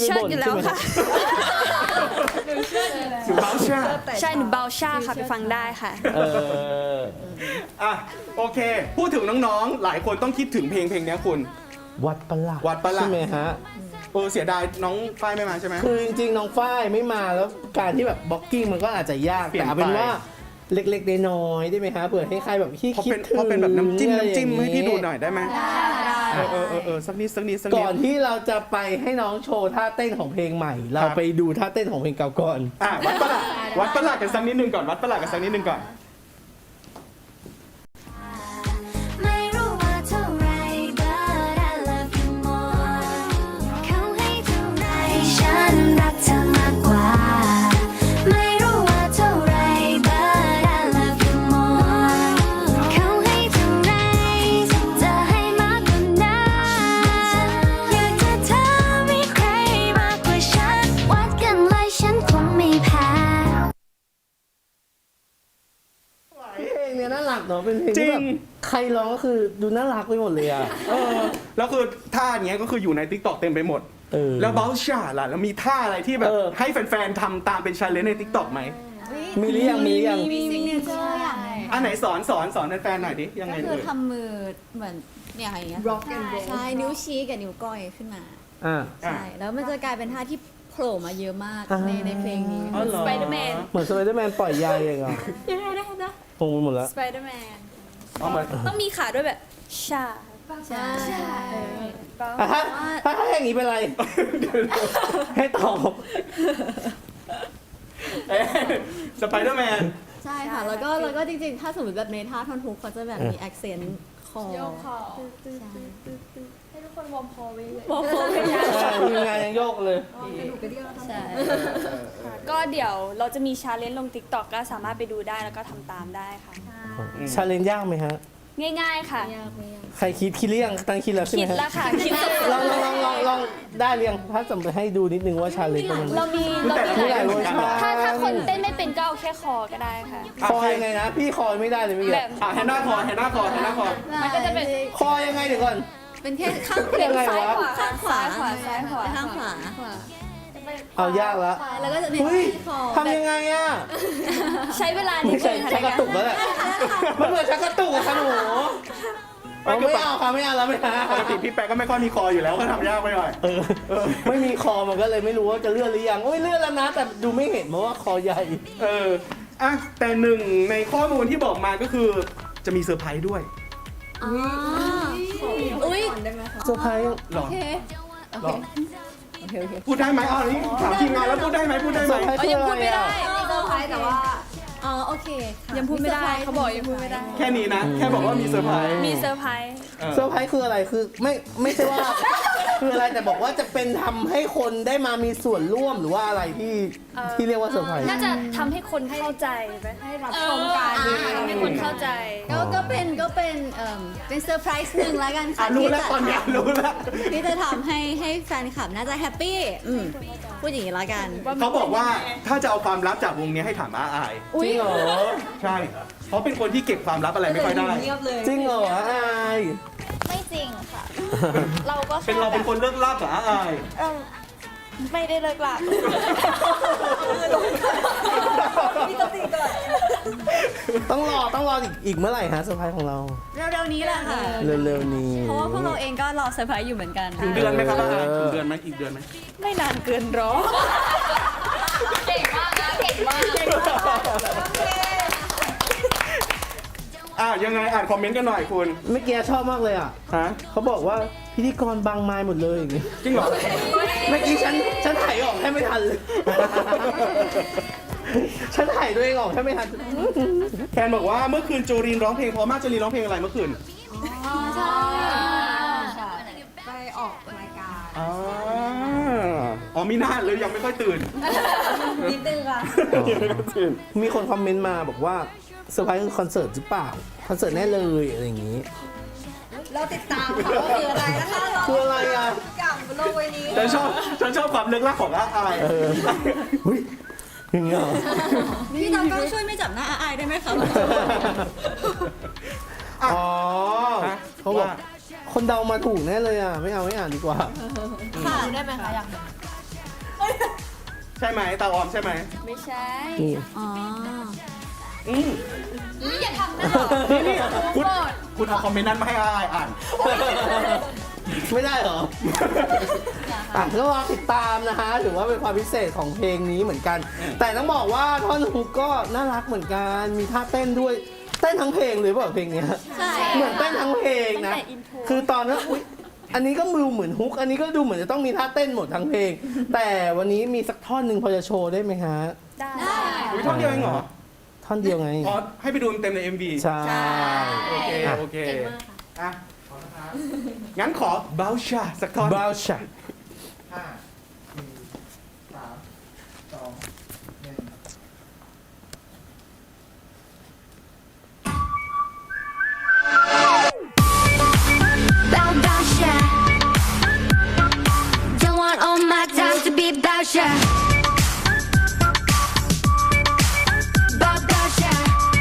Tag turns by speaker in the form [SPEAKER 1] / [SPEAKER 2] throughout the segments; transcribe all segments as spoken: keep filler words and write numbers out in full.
[SPEAKER 1] เชิดอยู่แล้วค่ะ
[SPEAKER 2] หนูเบาชา
[SPEAKER 1] ใช่หนูเบาชาค่ะไปฟังได้ค่ะ
[SPEAKER 3] เออ
[SPEAKER 2] อ่ะโอเค พูดถึงน้องๆ หลายคนต้องคิดถึงเพลงเพลงนี้คุณ
[SPEAKER 3] วัดประหลาด
[SPEAKER 2] วัดประหลาด
[SPEAKER 3] ใช่ไหมฮะ
[SPEAKER 2] เออเสียดายน้องฝ้ายไม่มาใช่ไหม
[SPEAKER 3] คือจริงๆน้องฝ้ายไม่มาแล้วการที่แบบบล็อกกิ้งมันก็อาจจะยาก
[SPEAKER 2] เปลี่ย
[SPEAKER 3] แต่
[SPEAKER 2] น
[SPEAKER 3] เอาเป็น
[SPEAKER 2] ไป
[SPEAKER 3] ว่าเล็กๆน้อยๆได้ไหมฮะเผื่อให้ใครแบบที่
[SPEAKER 2] เพราะ
[SPEAKER 3] คิด
[SPEAKER 2] เป็น
[SPEAKER 3] ถึง
[SPEAKER 2] เพราะเป็นแบบน้ำจิ้ม
[SPEAKER 3] อะไร
[SPEAKER 2] น้ำจิ้ม
[SPEAKER 3] อย่าง
[SPEAKER 2] ให้พี่ดูหน่อยได้ไหม
[SPEAKER 1] ได้
[SPEAKER 2] เออเออเออเออสักนิดสักนิดสักนิ
[SPEAKER 3] ก่
[SPEAKER 2] ด
[SPEAKER 3] อนที่เราจะไปให้น้องโชว์ท่าเต้นของเพลงใหม่ เรา
[SPEAKER 2] ครับ
[SPEAKER 3] ไปดูท่าเต้นของเพลงเก่าก่อน
[SPEAKER 2] อ่ะวัดประหลาดวัดประหลาดกันสักนิดนึงก่อนวัดประหลาดกันสักนิดนึงก่อน
[SPEAKER 4] ไม่รู้ว่าเท่าไร but I love you more เขาให้เท่าไรฉันรักเธอมากกว่าไม่รู้ว่าเท่าไร but I love you more เขาให้เท่าไรจะให้มากกว่านั้นอยากจะเธอมีใครมากกว่าฉันวัดกันเลยฉันคงไม่แพ้
[SPEAKER 3] เพลงเนี้ยน่ารักเนาะเป็นเพลงที่แบบใครร้องก็คือดูน่ารักไปหมดเลยอ่ะ
[SPEAKER 2] เออแล้วคือท่าเนี้ยก็คืออยู่ใน ติ๊กต็อก เต็มไปหมด
[SPEAKER 3] เออ
[SPEAKER 2] แล้วเบลชาล่ะแล้วมีท่าอะไรที่แบบ
[SPEAKER 3] เออ
[SPEAKER 2] ให้แฟนๆทำตามเป็นชาเลนจ์ใน ติ๊กต็อก ไหม
[SPEAKER 3] มีหรือยังมีหรือยัง
[SPEAKER 5] มีซิกเนเจอร์อย่าง
[SPEAKER 2] อันไหนสอนสอนสอนแฟนๆหน่อยดิยังไง
[SPEAKER 5] ก็คื
[SPEAKER 2] เอ่
[SPEAKER 5] อย ทำมือเหมือนเนี่ยอย่างเงี้ย
[SPEAKER 6] Rock and roll
[SPEAKER 5] ใช่นิ้วชี้กับนิ้วก้อยขึ้นมา
[SPEAKER 3] อ่า
[SPEAKER 5] ใช่แล้วมันจะกลายเป็นท่าที่โผล่มาเยอะมาก
[SPEAKER 3] อ่า
[SPEAKER 5] ในในเพลงนี้
[SPEAKER 2] อ๋อเหรอ
[SPEAKER 1] Spider-Man
[SPEAKER 3] เหมือนสไปเดอร์แมนปล่อยใยเองอ่ะ
[SPEAKER 5] ยังไงได้นะ
[SPEAKER 3] คงไปหมดแล้ว
[SPEAKER 1] สไปเดอร์แมน
[SPEAKER 2] เอามา
[SPEAKER 1] ต้องมีขาด้วยแบบชา
[SPEAKER 5] ใช่
[SPEAKER 3] อ่ะถ้าถ้าถ้าอย่างนี้เป็นไร ให้ตอบ
[SPEAKER 2] เอ๊ะสไปเดอร์แมน
[SPEAKER 5] ใช่ค่ะแล้วก็แล้วก็จริงๆ ถ้าสมมติแบบในท่าท่อนฮุกเขาจะแบบมีแอคเซนต์คอ
[SPEAKER 6] โยกคอ
[SPEAKER 5] ใช่
[SPEAKER 6] ให้ทุกคนวอร์มคอไว้เลย
[SPEAKER 5] บอกเขาไม่ได้
[SPEAKER 3] ใช่ทีมงานยังโยกเลย
[SPEAKER 6] กระดูกกระเดี่ยว
[SPEAKER 5] ใช่
[SPEAKER 1] ก็เดี๋ยวเราจะมีชาเลนจ์ลง ติ๊กต็อก ก็สามารถไปดูได้แล้วก็ทำตามได้ค่ะ
[SPEAKER 3] ชาเลนจ์ยากไหมฮะ
[SPEAKER 1] ง่ายๆค่ะ
[SPEAKER 5] ยากไม่ยาก
[SPEAKER 3] ใครคิดคิดหรือยังตั้งคิดแล้วใช่ไห
[SPEAKER 1] คิ
[SPEAKER 3] ม
[SPEAKER 1] ด
[SPEAKER 3] ฮะ
[SPEAKER 1] แล้วค่ะ คิดสุด
[SPEAKER 3] ลองลองลองลองลองได้เรียงถ้าสมมติให้ดูนิดนึงว่าชาเลนจ์มัน
[SPEAKER 1] เรามี
[SPEAKER 2] คือ
[SPEAKER 1] เรา
[SPEAKER 2] แต่ละ
[SPEAKER 1] มี
[SPEAKER 3] มีหลายเวอร์ชัน
[SPEAKER 1] ถ้าถ้าคนเต้นไม่เป็นก็เอาแค่คอก็ได้ค่ะ
[SPEAKER 3] คอยังไงนะ พี่คอไม่ได้เลยเมื่อ
[SPEAKER 1] แบ
[SPEAKER 3] กี้
[SPEAKER 1] บ
[SPEAKER 2] อ่ะแฮนนาคอแฮนนาคอแฮนนาคอ
[SPEAKER 1] มันก็จะเป็น
[SPEAKER 3] คอยังไงเดี๋ยวก่อน
[SPEAKER 5] เป็นแค่ข้าง
[SPEAKER 3] ยังไง
[SPEAKER 1] ซ้ายว
[SPEAKER 3] ะ
[SPEAKER 1] ขวา
[SPEAKER 5] ข้างขวา
[SPEAKER 1] ซ้ายขวาซ้ายขวา
[SPEAKER 5] ข้างขวา
[SPEAKER 3] เอายากแล้ว
[SPEAKER 5] แล้วก็จะมี
[SPEAKER 3] เฮ้ย
[SPEAKER 5] ที่คอ
[SPEAKER 3] ทำยังไงอ่ะ
[SPEAKER 1] ใช้เวลานิ
[SPEAKER 3] ไม่
[SPEAKER 1] ด
[SPEAKER 3] ใช่
[SPEAKER 1] นึงค่ะ
[SPEAKER 3] ชักกระตุกแล้วแหละมันเหมือนชักกระตุกอะค่ะหนูเอาไม่เอาค่ะไม่เอาแล้วไม่เอา
[SPEAKER 2] ปกติพี่แป๊กก็ไม่ค่อยมีคออยู่แล้วก็ทำยากไปหน่อย
[SPEAKER 3] เออไม่มีคอมันก็เลยไม่รู้ว่าจะเลื่อนหรือยังโอ้ยเลื่อนแล้วนะ แต่ดูไม่เห็นเพราะว่าคอใหญ่
[SPEAKER 2] เอออ่ะแต่หนึ่งในข้อมูลที่บอกมาก็คือจะมีเซอร์ไพรส์ด้วย
[SPEAKER 5] อ๋ออุ้ย
[SPEAKER 6] ได้ไหมคะ
[SPEAKER 3] เซอร์ไพรส์
[SPEAKER 2] หรอ
[SPEAKER 5] โอเค
[SPEAKER 2] หรอ
[SPEAKER 5] โอเคโอเค
[SPEAKER 2] พูดได้ไหมอ๋อนี่ถามทีมงานแล้วพูดได้ไหมพูดได้
[SPEAKER 3] เซ
[SPEAKER 2] ไหม
[SPEAKER 3] อร์ไพรส์คืออะไรอ่ะ
[SPEAKER 6] เซอร์ไพรส์แต่ว่า
[SPEAKER 5] อ๋อโอเคค่ะ
[SPEAKER 1] ยังพูดไม่ได้เขาบอกยังพูดไม่ได้
[SPEAKER 2] แค่นี้นะ แค่บอกว่ามีเซอร์ไพรส์
[SPEAKER 1] มีเซอร์ไพรส์
[SPEAKER 2] เออ
[SPEAKER 3] เซอร์ไพรส์คืออะไรคือไม่ไม่ใช่ว่า คืออะไรแต่บอกว่าจะเป็นทำให้คนได้มามีส่วนร่วมหรือว่าอะไรที่ที่เรียกว่าเซอร์ไพรส์
[SPEAKER 1] น่าจะทำให้คนเข้าใจไหม
[SPEAKER 6] ให้รับชมกัน
[SPEAKER 1] เออทำให้คนเข้าใจ
[SPEAKER 5] ก็ก็เป็นก็เป็นเอ่อเป็นเซอร์ไพรส์หนึ่งแล้วกัน
[SPEAKER 2] อ่ะ
[SPEAKER 5] ค่ะ
[SPEAKER 2] รู้
[SPEAKER 5] ที่
[SPEAKER 2] แล้ว
[SPEAKER 5] จะ
[SPEAKER 2] ตอนเนี้ยรู้แล้ว
[SPEAKER 5] ที่จะทำให้ให้แฟนคลับน่าจะแฮปปี้อืมพูดอย่างนี้แล้วกัน
[SPEAKER 2] เขาบอกว่าถ้าจะเอาความลับจากวงนี้ให้ถามอาอาย
[SPEAKER 3] จริงเหรอ
[SPEAKER 2] ใช่ เพราะเป็นคนที่เก็บความลับอะไรไม่ค่อยได้
[SPEAKER 6] เงียบเลย
[SPEAKER 3] จริงเหรออาย
[SPEAKER 1] ไม่จริงค่ะ เราก็
[SPEAKER 2] เป็น
[SPEAKER 1] แค่
[SPEAKER 2] เรา
[SPEAKER 1] แบ
[SPEAKER 2] เป็น
[SPEAKER 1] บ
[SPEAKER 2] คนเลิกลับกับอาอาย
[SPEAKER 1] เออไม่ได้เลิกหลัก
[SPEAKER 6] มีสติก่อน
[SPEAKER 3] ต้องรอต้องรออีกอีกเมื่อไหร่ฮะเซอร์ไพรส์ของเรา
[SPEAKER 5] เร็วๆนี้แหละค่ะ
[SPEAKER 3] เร็วๆนี้
[SPEAKER 5] เพราะว่าพวกเราเองก็รอเซอร์ไพรส์อยู่เหมือนกัน
[SPEAKER 2] ถึงเดือนไหมครับอาอายถึงเดือนไหมอีกเดือนไหม
[SPEAKER 1] ไม่นานเกินรอ เก่งมากนะเก่งมาก
[SPEAKER 2] อ่ะยังไงอ่านคอมเมนต์กันหน่อยคุณ
[SPEAKER 3] เมื่อกี้ชอบมากเลยอ่ะ
[SPEAKER 2] ฮะ
[SPEAKER 3] เขาบอกว่าพิธีกรบางไม้หมดเลยอย่างงี้
[SPEAKER 2] จริงเหรอ
[SPEAKER 3] เมื่อกี้ฉันฉันถ่ายออกแค่ไม่ทันเลย ฉันถ่ายตัวเองออกแค่ไม่ทัน
[SPEAKER 2] แคนบอกว่าเมื่อคืนโจรินร้องเพลงเพราะมากโจรินร้องเพลงอะไรเมื่อคืน
[SPEAKER 6] ใช่ไปออกรายการ
[SPEAKER 2] อ๋ออ๋อมีหน้าเลยยังไม่ค่อยตื่น
[SPEAKER 6] นิดนึงค่ะ
[SPEAKER 2] ยังไม่ค่อยตื่น
[SPEAKER 3] มีคนคอมเมนต์มาบอกว่าเซอร์ไพรส์คือคอนเสิร์ตหรือเปล่า คอนเสิร์ตแน่เลยอะไรอย่างงี้
[SPEAKER 6] เราติดตามค่ะว่าคืออะไรนะคะเรา
[SPEAKER 3] คืออะไรอ่ะ
[SPEAKER 6] กลับโลกใบนี้
[SPEAKER 2] ฉันชอบฉันชอบความเลิกลักของอาอาย
[SPEAKER 3] เออเฮ้ยอย่างเงี้ยเหรอ
[SPEAKER 5] พี่ตากล้องช่วยไม่จับหน้าอาอายได้ไหมคะ
[SPEAKER 3] อ๋อเขาบอกคนเดามาถูกแน่เลยอ่ะ ไม่เอาไม่อ่านดีกว่า
[SPEAKER 5] ค่ะ
[SPEAKER 6] ได้ไหมคะอยาก
[SPEAKER 2] ใช่ไหมตาออมใช่ไหม
[SPEAKER 1] ไม่ใช่
[SPEAKER 3] นี่
[SPEAKER 5] อ๋อ
[SPEAKER 2] อืม
[SPEAKER 6] อย่าทำหน้าหรอ
[SPEAKER 2] นี่นี่คุณคุณเอาคอมเมนต์นั้นมาให้อายอ่าน
[SPEAKER 3] ไม่ได้เหรออ่ะก็รอติดตามนะฮะถือว่าเป็นความพิเศษของเพลงนี้เหมือนกัน แต่ต้องบอกว่าท่อนฮุกก็น่ารักเหมือนกันมีท่าเต้นด้วยเต้นทั้งเพลงเลยเปล่าเพลงเนี้ย
[SPEAKER 5] ใช่
[SPEAKER 3] เหมือนเต้นทั้งเพลงนะ
[SPEAKER 1] ตั้งแต่ intro
[SPEAKER 3] คือตอนนั้นอุ๊ยอันนี้ก็มือเหมือนฮุก อันนี้ก็ดูเหมือนจะต้องมีท่าเต้นหมดทั้งเพลง แต่วันนี้มีสักท่อนหนึ่งพอจะโชว์ได้ไหมฮะ
[SPEAKER 1] ได้
[SPEAKER 2] อุ้ยท่อนเดียวเองเหรอ
[SPEAKER 3] ท่อนเดียวไง
[SPEAKER 2] อ๋อให้ไปดูเต็มใน เอ็ม วี
[SPEAKER 3] ใช่
[SPEAKER 2] โอเค
[SPEAKER 3] อ่ะ
[SPEAKER 2] โอเคอ่ะงั้นขอเบลชาสักท่อน
[SPEAKER 3] บาวชา
[SPEAKER 7] ห้าสี่สามสองหนึ่ง
[SPEAKER 4] Bow bow shy. Don't want all my time to be bow shy. Bow bow shy.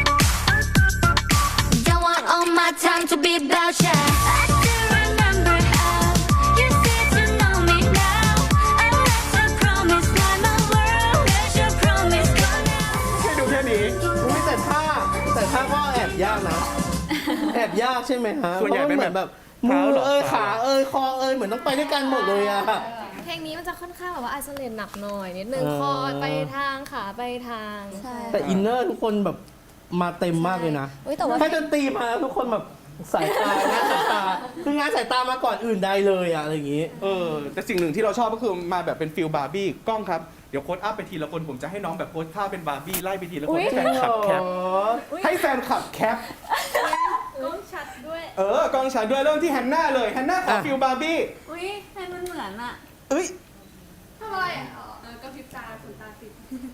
[SPEAKER 4] Don't want all my time to be bow shy. I still remember how you said you know me now. I let you promise not my world. Let your promise go now.
[SPEAKER 2] ให้ดูแค่นี้
[SPEAKER 3] อุ๊ยแต่ท่าแต่ท่าก็แอบยากนะ แอบยากใช่ไหมฮะ
[SPEAKER 2] ส่วนใหญ่เป็น
[SPEAKER 3] พราะมัเหมือน
[SPEAKER 2] แบ
[SPEAKER 3] แบบ บมื
[SPEAKER 2] เท้า
[SPEAKER 3] อ
[SPEAKER 2] เหรอ
[SPEAKER 3] เอ้ยขาเอ้ยคอเอ้ยเหมือนต้องไปด้วยกันหมดเลยอะ
[SPEAKER 6] เพลงนี้มันจะค่อนข้างแบบว่าไอโซเลตหนักหน่อยนิดนึง
[SPEAKER 3] เออ
[SPEAKER 6] คอไปทางขาไปทาง
[SPEAKER 5] ใช่
[SPEAKER 3] แต่อินเนอร์ทุกคนแบบมาเต็มมากเลยนะ
[SPEAKER 5] อุ๊ยแต่ว่า
[SPEAKER 3] ให้ดนตรีมาทุกคนแบบสายตางานสายตาคืองานสายตามาก่อนอื่นใดเลยอะอะไรอย่างงี้
[SPEAKER 2] เออแต่สิ่งหนึ่งที่เราชอบก็คือมาแบบเป็นฟิลบาร์บี้กล้องครับ เดี๋ยวโค้ดอัพไปทีละคนผมจะให้น้องแบบโพสท่าเป็นบาร์บี้ไล่ไปทีละคนให้แฟนคลับแคปให้แฟนคลับแคป
[SPEAKER 6] ก้องชัดด้วย
[SPEAKER 2] เออกล้องฉันด้วยเริ่มที่แฮนนาเลยแฮนนาขอ
[SPEAKER 3] อ่ะ
[SPEAKER 2] ฟิลบาร์บี้
[SPEAKER 5] อุ้ยให้มันเหมือนอะ
[SPEAKER 2] เอ้ย
[SPEAKER 6] ทำอะไรอ่ะเออก็พริบตาขนตาติด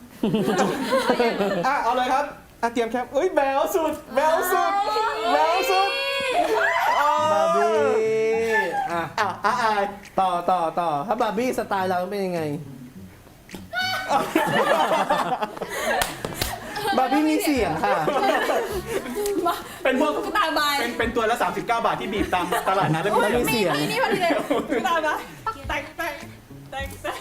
[SPEAKER 2] อ่ะเอาเลยครับอ่ะเตรียมแคปเอ้ยแบลสุดแบลสุดแบลสุด
[SPEAKER 3] บาร์บี้อ่ะ
[SPEAKER 2] อ่ะอ่ะอาย
[SPEAKER 3] ต่อต่อต่อถ้าบาร์บี้สไตล์เราเป็นยังไง บาร์บี้มีเสียงค่ะ
[SPEAKER 2] เป็นพวก
[SPEAKER 1] ตาบาย
[SPEAKER 2] เป็นเป็นตัวละสามสิบเก้าบาทที่บีบตามตลาดนัดแล้ว
[SPEAKER 3] แล้วมีเสียง
[SPEAKER 1] นี่พอดีเลยตาบายแตกแตกแตกแตก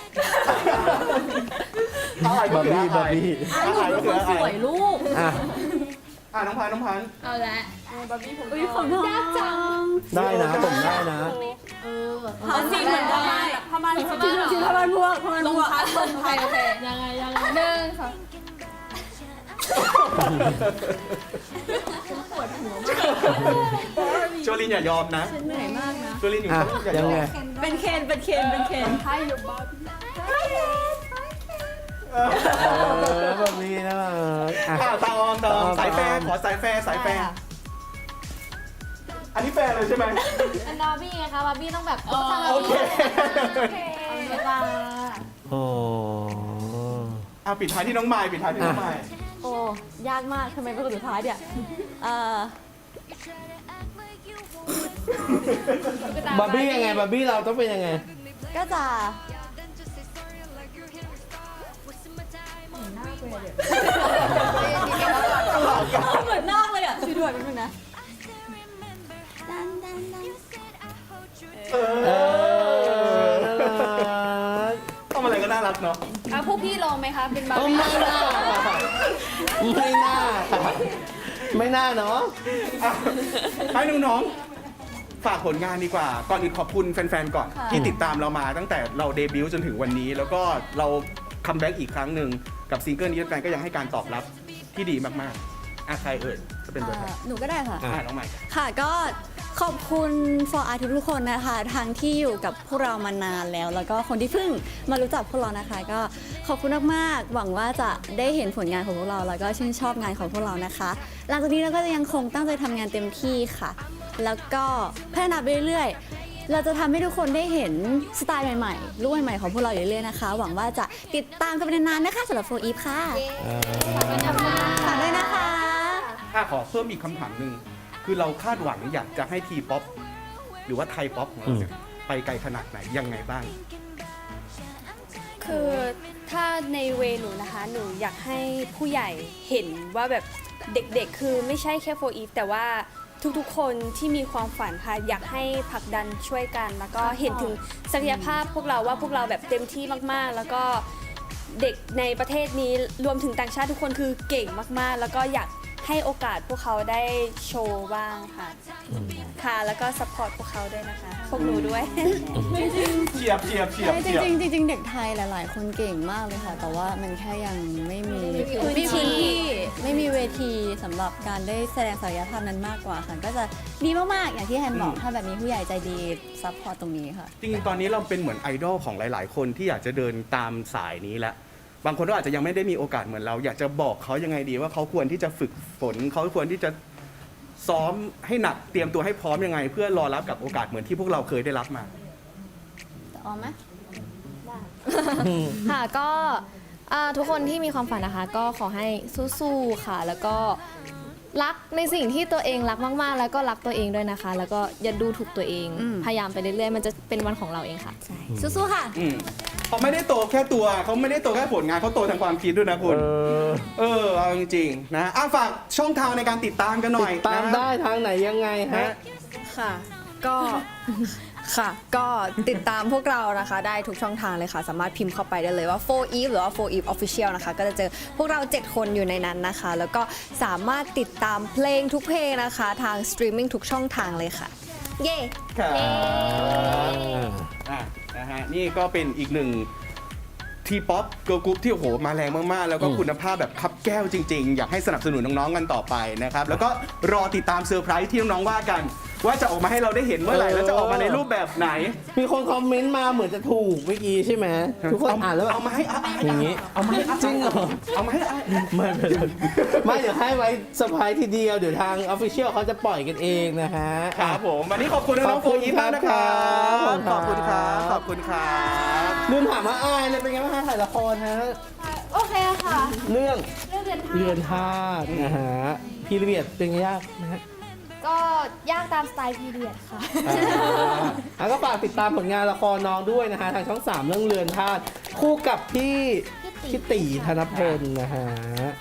[SPEAKER 2] อายก็คือบ
[SPEAKER 3] าร์บี้
[SPEAKER 2] อาย
[SPEAKER 3] บาร์บี้
[SPEAKER 2] อายก็คือ
[SPEAKER 5] ส
[SPEAKER 2] อา
[SPEAKER 5] วย
[SPEAKER 2] ย
[SPEAKER 5] ลูก
[SPEAKER 3] อ่ะ
[SPEAKER 2] อ่ะน้องพันธุ์น้องพันธุ์
[SPEAKER 6] เอาละ
[SPEAKER 1] บาร์บี้ผม
[SPEAKER 5] อุ้ยของน้องยากจัง
[SPEAKER 3] ได้นะผมได้นะ
[SPEAKER 5] เออ
[SPEAKER 1] ผ้าสีเหมือนกันผ้ามันผ้ามัน
[SPEAKER 5] จริงๆผ้ามันพวกผ้ามัน
[SPEAKER 1] ล
[SPEAKER 5] พ
[SPEAKER 1] ง
[SPEAKER 5] วก
[SPEAKER 1] พัดลงพัดโอเค
[SPEAKER 6] ยังไงยังไงหนึ่งสอง
[SPEAKER 2] โจลินอย่ายอมนะ
[SPEAKER 5] เหนื่อยมากนะ
[SPEAKER 2] โจลินอยู่
[SPEAKER 3] อ่ะ
[SPEAKER 2] ต้องอย่า
[SPEAKER 3] ยั
[SPEAKER 2] ย
[SPEAKER 3] ง
[SPEAKER 2] อ
[SPEAKER 3] ไง
[SPEAKER 2] ม
[SPEAKER 5] เป็นเคนเป็นเคนเป็นเคน
[SPEAKER 1] ให้อยู่บาร์บี้
[SPEAKER 3] เออบาร์บี้นะอ่ะ
[SPEAKER 2] อ่ะตาออมตาออม
[SPEAKER 3] ตาออม
[SPEAKER 2] สายแฟร์ขอสายแฟร์สายแฟร์อันนี้แฟร์เลยใช่ไหม
[SPEAKER 6] เป็นบาร์บี้ไงคะบาร์บี้ต้องแบบ
[SPEAKER 2] โอเค
[SPEAKER 6] เวลา
[SPEAKER 3] โอ้
[SPEAKER 2] อ่ะปิดท้ายที่น้องไมค์ปิดท้ายที่น้องไมค์
[SPEAKER 5] โอ้ยากมากทำไมเป็นคนสุดท้ายเนี่ยเอ่อบ
[SPEAKER 3] าร์บี้ยังไงบาร์บี้เราต้องเป็นยังไง
[SPEAKER 5] ก็จะเหมือนนอกเลยอ่ะช่วยด้วยแป๊บนึงนะ
[SPEAKER 2] เอ
[SPEAKER 3] เอ
[SPEAKER 2] อ
[SPEAKER 3] อน่ารัก
[SPEAKER 2] ทำอะไรก็น่ารักเนาะ
[SPEAKER 1] อ่ะพวกพี่ลองไหมคะเป็นบา
[SPEAKER 3] เอ
[SPEAKER 1] ร์
[SPEAKER 3] อ
[SPEAKER 1] บี้
[SPEAKER 3] ไม่น่าค่ะไม่น่าค่ะไม่น่าเนาะ
[SPEAKER 2] อ่ะให้น้องๆฝากผลงานดีกว่า ก่อนอื่นขอบคุณแฟนๆก่อน ที่ติดตามเรามาตั้งแต่เราเดบิวต์จนถึงวันนี้ แล้วก็เราคัมแบ็กอีกครั้งหนึ่งกับซิงเกิลนี้แฟนๆก็ยังให้การตอบรับที่ดีมากๆอ่ะใครเอ่ยจะเป็นตัวแทน
[SPEAKER 5] หนูก็ได้ค่ะ
[SPEAKER 2] อ่ะน้องใหม่
[SPEAKER 5] ค่ะก็ขอบคุณ for artist ทุกคนนะคะทั้งที่อยู่กับพวกเรามานานแล้ว แล้วก็คนที่เพิ่งมารู้จักพวกเรานะคะ ก็ขอบคุณมากๆหวังว่าจะได้เห็นผลงานของพวกเรา แล้วก็ชื่นชอบงานของพวกเรานะคะ หลังจากนี้เราก็จะยังคงตั้งใจทำงานเต็มที่ค่ะ แล้วก็พัฒนาไปเรื่อยๆเราจะทำให้ทุกคนได้เห็นสไตล์ใหม่ๆรูปใหม่ๆของพวกเราอยู่เรื่อยๆนะคะ หวังว่าจะติดตามกันไปนานๆนะคะสำหรับโฟอีฟค่ะฝากด้วยนะคะ
[SPEAKER 2] อ่ะขอเพิ่มอีกคำถามหนึ่งคือเราคาดหวังอยากจะให้ทีป๊อปหรือว่าไทยป๊อปของเราเนี่ยไปไกลขนาดไหนยังไงบ้าง
[SPEAKER 1] คือถ้าในเวหนูนะคะ หนูอยากให้ผู้ใหญ่เห็นว่าแบบเด็กๆ คือไม่ใช่แค่โฟอีฟแต่ว่าทุกๆ คนที่มีความฝันค่ะอยากให้ผลักดันช่วยกัน แล้วก็เห็นถึงศักยภาพพวกเราว่าพวกเราแบบเต็มที่มากๆ แล้วก็เด็กในประเทศนี้รวมถึงต่างชาติทุกคนคือเก่งมากๆ แล้วก็อยากให้โอกาสพวกเขาได้โชว์บ้างค่ะ ค่ะ แล้วก็สปอร์ตพวกเขาด้วยนะคะ พวกหนูด้วย
[SPEAKER 2] เฉียบเฉียบเฉียบ
[SPEAKER 5] จ
[SPEAKER 2] เฉียบ
[SPEAKER 5] ริงๆจริงๆเด็กไทยหลาย ๆ คนเก่งมากเลยค่ะ แต่ว่ามันแค่ยังไม่มี
[SPEAKER 1] พื้นที่
[SPEAKER 5] พื้นที่ไม่มีเวทีสำหรับการได้แสดงศักยภาพนั้นมากกว่าค่ะ ก็จะดีมากๆ อย่างที่แฮนบอก ถ้าแบบมีผู้ใหญ่ใจดีซัพพอร์ตตรงนี้ค่ะ
[SPEAKER 2] จริงๆ ตอนนี้เราเป็นเหมือนไอดอลของหลาย ๆ คนที่อยากจะเดินตามสายนี้แล้ว บางคนก็อาจจะยังไม่ได้มีโอกาสเหมือนเรา อยากจะบอกเขายังไงดีว่าเขาควรที่จะฝึกฝนเขาควรที่จะซ้อมให้หนักเตรียมตัวให้พร้อมยังไง เพื่อรอรับกับโอกาสเหมือนที่พวกเราเคยได้รับมา
[SPEAKER 5] ออมไหม
[SPEAKER 6] ค่ะก็อ่าทุกคนที่มีความฝันนะคะ ก็ขอให้สู้ๆค่ะ แล้วก็รักในสิ่งที่ตัวเองรักมากๆ แล้วก็รักตัวเองด้วยนะคะ แล้วก็อย่าดูถูกตัวเอง
[SPEAKER 5] อืม
[SPEAKER 6] พยายามไปเรื่อยๆ มันจะเป็นวันของเราเองค่ะสู้ๆค่ะ
[SPEAKER 2] อืมเขาไม่ได้โตแค่ตัวเขาไม่ได้โตแค่ผลงานเขาโตทางความคิดด้วยนะคุณ
[SPEAKER 3] เออ
[SPEAKER 2] เออเอาจริงๆนะอ่ะฝากช่องทางในการติดตามกันหน่อย
[SPEAKER 3] ติดตาม
[SPEAKER 2] นะ
[SPEAKER 3] ได้ทางไหนยังไงฮะ
[SPEAKER 2] ฮะ
[SPEAKER 8] ค่ะ ก็ ค่ะ ก็ติดตามพวกเรานะคะ ได้ทุกช่องทางเลยค่ะ สามารถพิมพ์เข้าไปได้เลยว่า โฟร์ อีฟ หรือว่า โฟร์ อีฟ Official นะคะ ก็จะเจอพวกเรา เจ็ด คนอยู่ในนั้นนะคะ แล้วก็สามารถติดตามเพลงทุกเพลงนะคะ ทางสตรีมมิ่งทุกช่องทางเลยค่ะ เย้
[SPEAKER 2] ครับอ่ะนะฮะนี่ก็เป็นอีกหนึ่งทีป๊อปเกิร์ลกรุ๊ปที่โอ้โหมาแรงมาก ๆ แล้วก็คุณภาพแบบคับแก้วจริง ๆ อยากให้สนับสนุนน้อง ๆ กันต่อไปนะครับ แล้วก็รอติดตามเซอร์ไพรส์ที่น้อง ๆ ว่ากัน ว่าจะออกมาให้เราได้เห็นเมื่อไหร่ แล้วจะออกมาในรูปแบบไหน
[SPEAKER 3] มีคนคอมเมนต์มาเหมือนจะถูกเมื่อกี้ใช่ไหมทุกคนอ่านแล้วแบบ
[SPEAKER 2] เอามาให้อ่ะ
[SPEAKER 3] อย่างนี้
[SPEAKER 2] เอามาให้อ่ะ
[SPEAKER 3] จริงเหรอ
[SPEAKER 2] เอามาให้อ่ะ
[SPEAKER 3] ไม่ไม่ไม่ไม่เดี๋ยวให้ไว้เซอร์ไพรส์ทีเดียว เดี๋ยวทางออฟฟิเชียลเขาจะปล่อยกันเองนะฮะ
[SPEAKER 2] ครับผมวันนี้ขอบคุณน้องๆโฟร์อีฟมากนะครับ ขอบคุณครับ ขอบคุณครับ
[SPEAKER 3] ลืมถามว่าอายเลยเป็นไงบ้างคะถ่ายละครฮะ
[SPEAKER 1] โอเคค่ะ
[SPEAKER 3] เรื่อง
[SPEAKER 1] เรื่องเรียน
[SPEAKER 3] เรือนธาตุนะฮะพีเรียดเป็นไงยากนะฮะ
[SPEAKER 1] ก็ยากตามสไตล์พีเรียดค่ะ
[SPEAKER 3] อ่าแล้วก็ฝากติดตามผลงานละครน้องด้วยนะฮะทางช่องสามเรื่องเรือนธาตุคู่กับพี่พี่ตีธนพลนะฮะ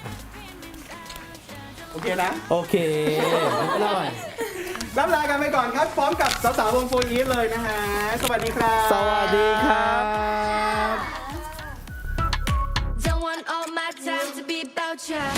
[SPEAKER 2] โอเคนะ
[SPEAKER 3] โอเคนิดหน่อย
[SPEAKER 2] รับลากันไปก่อนครับ พร้อมกับสาวๆวงโฟร์อีฟเลยนะฮะ สวัสดีครับ
[SPEAKER 3] สวัสดีครับ
[SPEAKER 4] Don't want all my time to be about you.